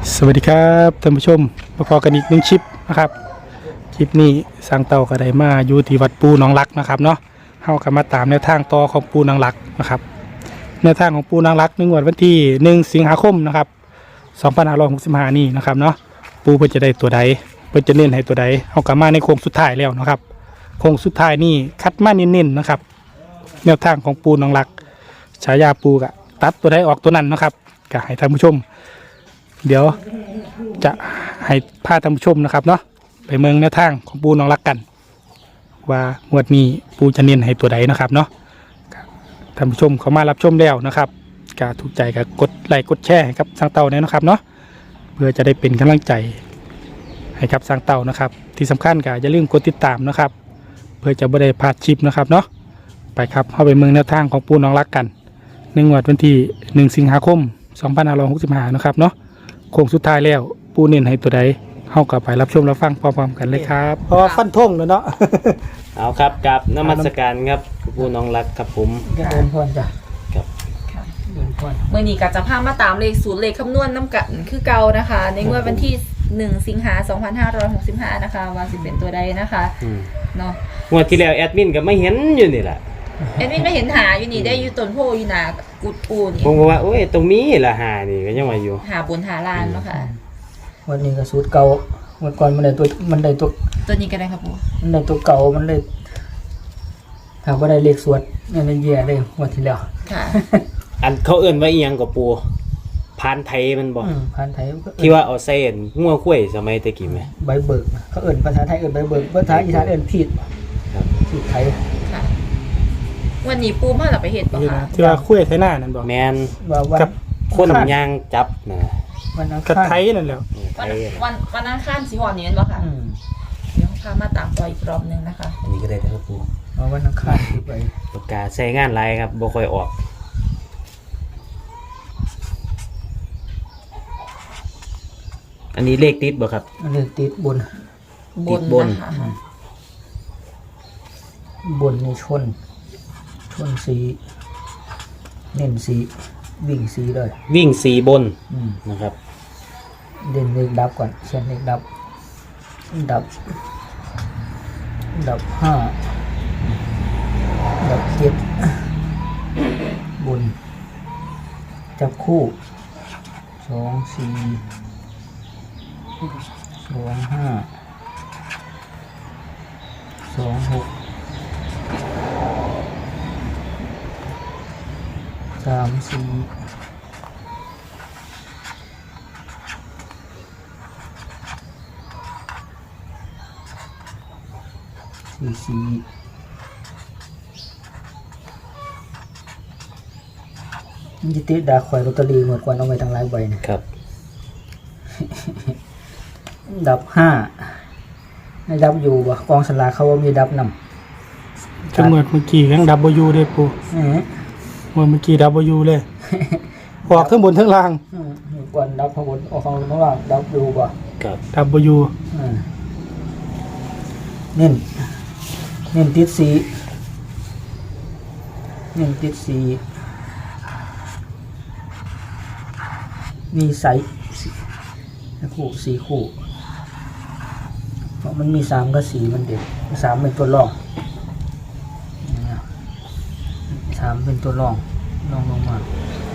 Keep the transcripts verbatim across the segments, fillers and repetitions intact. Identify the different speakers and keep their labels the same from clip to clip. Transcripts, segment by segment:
Speaker 1: สวัสดีครับท่านผู้ชมมาพอกันอีกหนึ่งคลิปนะครับคลิปนี้สร้างเต่ากระไดมาอยู่ที่วัดปูหนองลักนะครับเนาะเฮากันมาตามแนวทางต่อของปูหนองลักนะครับแนวทางของปูหนองลักในงวดวันที่หนึ่งสิงหาคมนะครับสองพันห้าร้อยหกสิบห้านี่นะครับเนาะปูเพิ่นจะได้ตัวใดเพิ่นจะเน้นให้ตัวใดเฮากันมาในโค้งสุดท้ายแล้วนะครับโค้งสุดท้ายนี่คัดมาเน้นๆนะครับแนวทางของปูหนองลักฉายาปูกะตัดตัวใดออกตัวนั้นนะครับก็ให้ท่านผู้ชมเดี๋ยวจะให้พาท่านผู้ชมนะครับเนาะไปเมืองแนวทางของปูน้องรักกันว่างวดนี้ปูจะเน้นให้ตัวใดนะครับเนาะท่านผู้ชมเขามารับชมแล้วนะครับก็ถูกใจก็กดไลค์กดแชร์ให้กับสร้างเต่าเนี่ยนะครับเนาะเพื่อจะได้เป็นกำลังใจให้กับสร้างเต่านะครับที่สำคัญก็อย่าลืมกดติดตามนะครับเพื่อจะไม่ได้พลาดคลิปนะครับเนาะไปครับเข้าไปเมืองแนวทางของปูน้องรักกันในงวดวันที่หนึ่งสิงหาคมสองพันห้าร้อยหกสิบห้านะครับเนาะโค้งสุดท้ายแล้วปูเน้นให้ตัวใดเข้ากับไปรับชมรับฟังพร้อมๆกันเลยครับเพราะว่าฟันทงแล้วเนาะ
Speaker 2: เอาครับกับนมัสการครับผู้น้องรักครับผม
Speaker 1: เดินพรจ้ะ
Speaker 2: ครับ
Speaker 1: เดินพร
Speaker 3: เมื่อนี้ก็จะพามาตามเลขสูตรเลขคำนวณน้ำกันคือเก่านะคะ ในงวดวันที่หนึ่งสิงหาสองพันห้าร้อยหกสิบห้านะคะว่าสิเป็นตัวใดนะคะเนาะ
Speaker 2: งวดที่แล้วแอดมินก็ไม่เห็นอยู่นี่แหละ
Speaker 3: แอดมินไม่เห็นหาอยู่นี่ได้อยู่ต้นโพอยู่นากุดปูนี่
Speaker 2: ผมบอกว่าโอ้ยตรงนี้ละหานี่ก็ยังมาอยู่
Speaker 3: หาบนหาลานเนาะค่ะ
Speaker 4: วันนี้ก็สูตรเก่าเมื่อก่อนมันได้ตัวมันได้ตัว
Speaker 3: ตัวนี้ก็ได้ครับปู
Speaker 4: มันได้ตัวเก่ามันเลยหากว่าได้เลขสวดเนี่ยมันแย่เลยงวันที่แล้ว
Speaker 3: ค่ะ
Speaker 2: อันเขาเอิ่นว่าอีหยังกับปูพานไทยมันบอก
Speaker 4: อืมผ่านไทยก็เอิ้น
Speaker 2: ที่ว่าเอาเส้นงัวข้วยสมัยตะกี้ไหม
Speaker 4: ใบเบิกเขาเอิ้นภาษาไทยเอิ้นใบเบิกภาษาอีสานเอิ้นผิด
Speaker 2: ครับ
Speaker 4: ผิดไทย
Speaker 3: ค่ะ วันนี้ปูมาหลับไปเห็ดปะคะ
Speaker 1: ที่ว่าคุยไทยหน้านั่นบอก
Speaker 2: แมน
Speaker 4: ว่าวัน
Speaker 1: กับ
Speaker 2: คน
Speaker 4: อังคาร
Speaker 2: ยางจับนะ
Speaker 4: วันอัง
Speaker 1: กับ
Speaker 4: คาร
Speaker 1: ไทยนั่นแหละ
Speaker 2: ไท
Speaker 3: วัน
Speaker 2: ย
Speaker 3: วันวันอังคารสีหอนนี่เป็นปะคะ
Speaker 4: อืม
Speaker 3: เดี๋ยวพามาตามต่ออีกรอบหนึงนะคะ
Speaker 2: อันนี้ก็ได้นะครับปู
Speaker 4: ว่าวันอังคารที่ไป
Speaker 2: ปากกาใช้งานไรครับบ่ค่อยออกอันนี้เลขติดบ่ครับ
Speaker 4: อันนี้ติดบน
Speaker 3: บ
Speaker 2: ติ
Speaker 3: น
Speaker 2: ดบน
Speaker 3: นะคะ
Speaker 4: บนในชน ชนสีเน้นสีวิ่งสีเลย
Speaker 2: วิ่งสีบน
Speaker 4: อืม
Speaker 2: นะครับ
Speaker 4: เด่นเลขดับก่อนเขียนเลขดับ ดับ ดับห้าดับเจ็ดบน จับคู่สองสี่สองห้าสองหกสามสี่สี่สี่มันจะติดดาคอยลอตเตอรี่หมดกว่าเอาไปทั้งหลายใบนะครับ ดับห้าในดับอยู่บ่กองสลากเขาว่ามีดับนำ
Speaker 1: จังหวัดเมื่อกี้ยังดับเบิลยูเลยปู
Speaker 4: เอ๊ะ
Speaker 1: เมื่อเมื่อกี้ดับเบิลยูเลยออกทั้งบนทั้งล่าง
Speaker 4: อืมก่อนดับข้างบนออกข้างล่างดับอยู่บ่
Speaker 2: ครับ
Speaker 1: ดับเบิลยู
Speaker 4: อืมเน้นเน้นติดสีเน้นติดสีมีใสสีคู่สีคู่เพราะมันมีสามกับสีมันเด็ดสามเป็นตัวรองเนี่ยสามเป็นตัวรองรองลงมา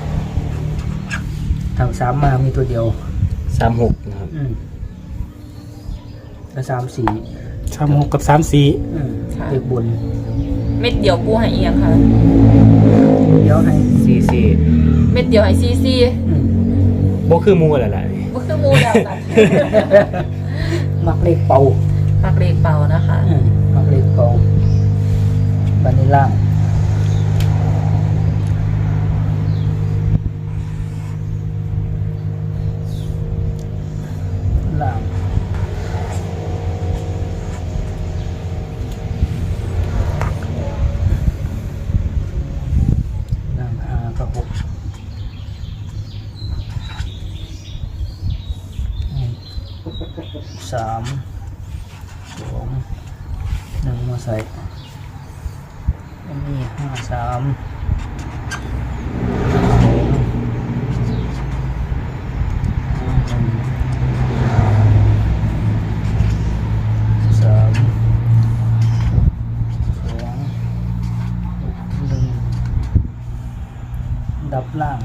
Speaker 4: ทางสามมามีตัวเดียว
Speaker 2: สามหกนะครับ
Speaker 4: อืมแล้วสามสี
Speaker 1: สามหกกับสามสี่
Speaker 4: อืมเลขบน
Speaker 3: เม็ดเดียวปูให้เอียงค่ะ
Speaker 4: เดี๋ยวให้
Speaker 2: ซีซี
Speaker 3: เม็ดเดียวให้ซีซี
Speaker 4: อืม
Speaker 2: บ่คือหมูอะไรล่ะ
Speaker 3: ก็คือหมูแล้วนะ
Speaker 4: มักเลขเป่า
Speaker 3: ปักเลขเป่านะคะ
Speaker 4: อืมมักเลขเป่าบานิล่างล่างล่างห้ากับหกอืมสามสองหนึ่งมาใส่อันนี้ห้าสามสองห้าหนึ่งล่าง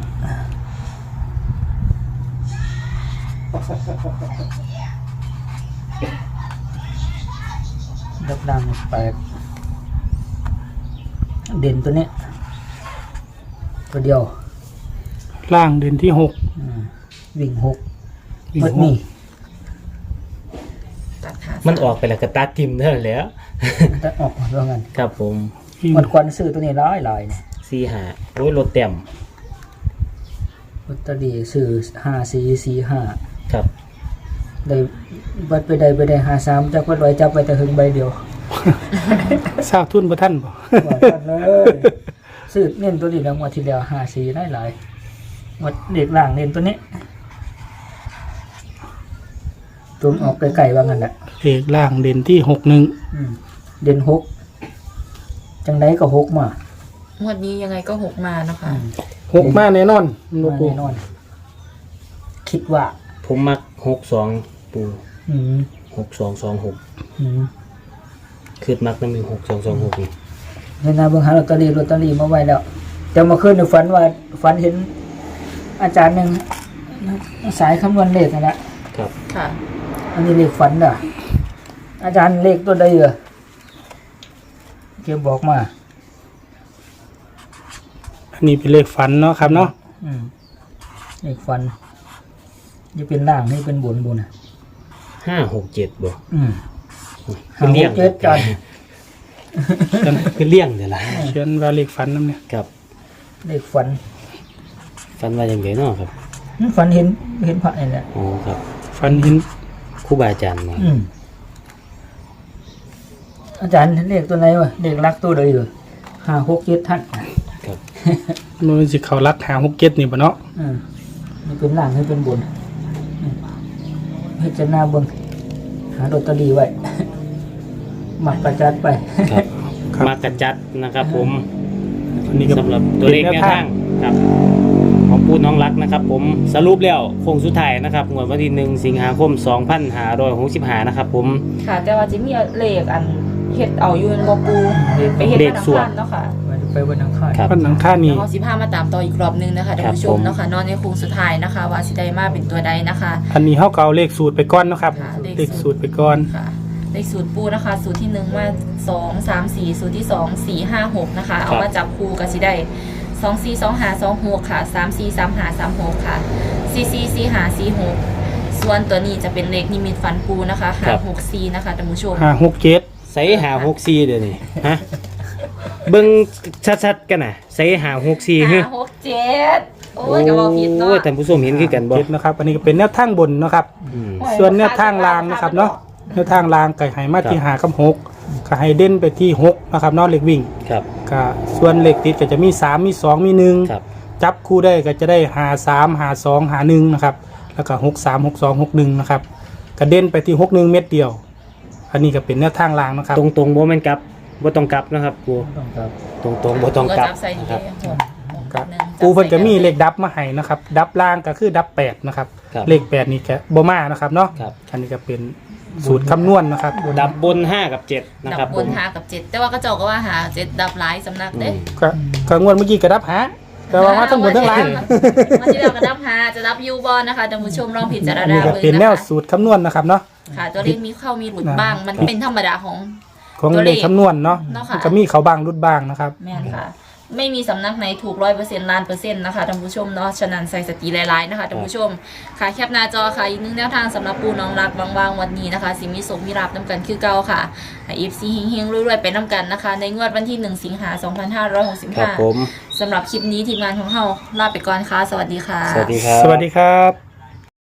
Speaker 4: ดับล่างแปดเด่นตัวเนี้ยตัวเดียว
Speaker 1: ล่างเด่นที่หก
Speaker 4: อืมวิ่งหก
Speaker 1: วิ่ง
Speaker 4: เบิด
Speaker 1: ห
Speaker 4: นี่
Speaker 1: ก
Speaker 3: ตัดขา
Speaker 2: มันออกไปแล้วก็ตัดทิมเท่านั้นแหล้ว
Speaker 4: จะออกมาว่างั้น
Speaker 2: ครับผม
Speaker 1: วิ่ง
Speaker 4: มันควันซื้อตัวนี้ร้ายลายเนี่ย
Speaker 2: สี่หาโอ้ยรถเต็ม
Speaker 4: ลอตเตอรี่ซื้อห้าสี่สี่ห้า
Speaker 2: ครับ
Speaker 4: ได้บัดไปได้ไปได้ห้าสามจากวัดไว้จับไปแต่หึงใบเดียว
Speaker 1: ทราบทุนบ่ท่านบ่
Speaker 4: ว่ากันเลยซื้อเน้นตัวนี้แล้วงวดที่แล้วห้าสี่ได้หลายงวดเด็กล่างเน้นตัวนี้ตัวออกไกลๆว่างั้นแหละ
Speaker 1: เลขล่างเด่นที่หกหนึ่ง
Speaker 4: อืมเด่นหกจังไดก็หกมา
Speaker 3: งวดนี้ยังไงก็หกมานะคะ
Speaker 1: หกมาแน่นอนหนู
Speaker 4: มา
Speaker 1: ปู
Speaker 4: แน่นอน คิดว่า
Speaker 2: ผมมักหกสองปู
Speaker 4: อืม
Speaker 2: หกสองสองหก
Speaker 4: อืม
Speaker 2: คือมักน้ำมีหกสองสองหกนี่
Speaker 4: เห็นนะเบิ่งหาลอตเตอรี่ลอตเตอรี่มาไว้แล้วแต่เมาคืนในฝันว่าฝันเห็นอาจารย์หนึ่งสายคำนวณเลขนั่นแหละ
Speaker 2: ครับ
Speaker 3: ค่ะ
Speaker 4: อันนี้เลขฝันอ่ะ อาจารย์เลขตัวใดเหรอเกี่ยวบอกมา
Speaker 1: อันนี้เป็นเลขฝันเนาะครับเนาะ
Speaker 4: อืมเลขฝันนี่เป็นล่างนี่เป็นบนบนอ่ะ
Speaker 2: ห้าหกเจ็ดบ่
Speaker 4: อืม
Speaker 2: เป็นเลี่ยง
Speaker 4: หาหกเจ็ดกัน
Speaker 2: เป็นเลี่ยงเดี๋ยวละ
Speaker 1: เขียนว่าเลขฝันนั่นเนี่ย
Speaker 2: ครับ
Speaker 4: เลขฝัน
Speaker 2: ฟันว่าอย่างไรเนาะครับ
Speaker 4: อืมฝันเห็นเห็นพระนี่แหละ
Speaker 2: อ๋อครับ
Speaker 1: ฝันเห็น
Speaker 2: ครูบาอาจารย์มา
Speaker 4: อืมอาจารย์เลขตัวไหนวะเลขลักตัวใดเหรอห้าหกเจ็ดท่าน
Speaker 2: ครับ
Speaker 1: มันสิเขารักหาหกเจ็ดนี่บ่เนาะ
Speaker 4: อืมนี่เป็นล่างให้เป็นบนอืมให้จะหน้าเบิ่งหาลอตเตอรี่ไว้ หมักประจัดไป
Speaker 2: ครับ
Speaker 1: ครับ
Speaker 2: มากระจัดนะครับ ผม
Speaker 1: อันนี้ก็
Speaker 2: สำหรับตัวเลขแนวทางครับของปูน้องรักนะครับ ผมสรุปแล้วโค้งสุดท้ายนะครับงวดวันที่หนึ่งสิงหาคมสองพันห้าร้อยหกสิบห้านะครับ ผม
Speaker 3: ค่ะ แต่ว่าจะมีเลขอันเฮ็ดเอาอยู่ในบ่ปูไปเฮ็ด
Speaker 2: เล
Speaker 3: วั
Speaker 2: ข
Speaker 3: นอัง
Speaker 2: สวด
Speaker 3: คารเนาะค่ะ
Speaker 4: ไปวันอังคาร
Speaker 2: ครับ
Speaker 1: วันหนังค่า
Speaker 3: แล้
Speaker 1: นี่
Speaker 3: วก็สิพามาตามต่ออีกรอบหนึงนะคะท่านผู้ช
Speaker 2: ครับผม ม
Speaker 3: เนาะค่ะนอนในโค้งสุดท้ายนะคะ ว่าสิได้มาเป็นตัวใดนะคะ
Speaker 1: อันนี้เฮาก็เอาเลขสูตรไปก่อนเนาะครับ
Speaker 3: ค่ะ
Speaker 1: เลขสูตรไปก่อน
Speaker 3: ค่ะเลขสูตรปูนะคะ สูตรที่หนึ่งมาสองสามสี่สูตรที่สองสี่ห้าหกนะคะ เอามาจับคู่กันสิได้สองสี่สองห้าสองหกค่ะสามสี่สามห้าสามหกค่ะสี่สี่สี่ห้าสี่หกส่วนตัวนี้จะเป็นเลขนิมิตฝันปูนะคะห้าหกสี่นะคะท่านผู้ชม
Speaker 1: หาหกเจ็ด
Speaker 2: ใส่หาหกสี่เดี๋ยวนี้ฮะเบิ้งชัดๆกันนะใส่หาหกสี่ฮึ
Speaker 3: ห้าหกเจ็ดโอ้ยกระบอกผิดเนาะ
Speaker 2: โอ้ยท่านผู้ชมเห็นคือกันบ่
Speaker 1: เจ็ดนะครับ อันนี้ก็เป็นแนวทางบนเนาะครับ
Speaker 2: อืม
Speaker 1: ส่วนแนวทางล่างนะครับเนาะแนวทางล่างไก่ไหมาที่หากับหกก็ให้เด่นไปที่หกนะครับเนาะเลขวิ่ง
Speaker 2: ครับ
Speaker 1: ก็ส่วนเลขติดก็จะมีสามมีสองมีหนึ่ง
Speaker 2: ครับ
Speaker 1: จับคู่ได้ก็จะได้หาสามหาสองหาหนึ่งนะครับแล้วก็หกสามหกสองหกหนึ่งนะครับกระเด็นไปที่หกหนึ่งเม็ดเดียว อันนี้ก็เป็นแนวทางล่างนะครับ
Speaker 2: ตรงตรงๆบ่แม่นกลับบ่ต้องกลับนะครับปู
Speaker 4: ต้องครับ
Speaker 2: ตรงตรงๆบ่ต้องกลับ
Speaker 3: จับใส่ดี
Speaker 2: ครับ
Speaker 1: ครับปูเพิ่นก็มีเลขดับมาให้นะครับ ดับล่างก็คือดับแปดนะครับ
Speaker 2: ครับ
Speaker 1: เลขแปดนี่แกบ่มานะครับเนาะ
Speaker 2: ครับ
Speaker 1: อันนี้ก็เป็นสูตรคำนวณนะครับ
Speaker 2: ดับบนห้ากับเจ็ดนะ
Speaker 3: ดั
Speaker 2: ครับ
Speaker 3: บ
Speaker 2: ผ
Speaker 3: บน
Speaker 2: ม
Speaker 3: หากับเจ็ดแต่ว่าก็เจ้าก็ว่าหาเจ็ดดับหลายสำนัก
Speaker 2: อื
Speaker 3: เด้
Speaker 2: ม
Speaker 1: ก็ก็งวดเมื่อกี้ก็ดับหาแต่ว่ามาทั้งบนทั้งล่าง
Speaker 3: มาที่เราก็ดับหาจะดับยูบอลนะคะท่านผู้ชมลองพิจาร
Speaker 1: อัน
Speaker 3: ณา
Speaker 1: นี้ก็
Speaker 3: เบิ่ง
Speaker 1: เป็นแนว
Speaker 3: นะคะ
Speaker 1: สูตรคำนวณนะครับเนาะ
Speaker 3: ค่ะตัวเลขมีเข้ามีหลุดบ้าง มันเป็นธรรมดาของ
Speaker 1: ของ
Speaker 3: ตัว
Speaker 1: เล
Speaker 3: เล
Speaker 1: ข
Speaker 3: ข
Speaker 1: คำนวณเนาะ
Speaker 3: เนาะค่ะ
Speaker 1: ก็มีเขาบางรุดบ้างนะครับ
Speaker 3: แม่นค่ะ ไม่มีสำนักไหนถูกร้อยเปอร์เซ็นต์ล้านเปอร์เซ็นต์นะคะท่านผู้ชมเนาะฉะนั้นใส่สติหลายๆนะคะท่านผู้ชมค่ะแคปหน้าจอค่ะอีกหนึ่งแนวทางสำหรับปูน้องรักบางๆวันนี้นะคะสิมีสมมีราบน้ำกันคือเก่าค่ะเอฟซีเฮงๆรวยๆไปน้ำกันนะคะ ในงวดวันที่หนึ่งสิงหาคมสองพันห้าร้อยหกสิบ
Speaker 2: ครับ
Speaker 3: ห้า
Speaker 2: ผม
Speaker 3: สำหรับคลิปนี้ทีมงานของเราลาไปก่อนค่ะสวัสดีค่ะ
Speaker 2: สวัสดีครับ
Speaker 1: สวัสดีครับ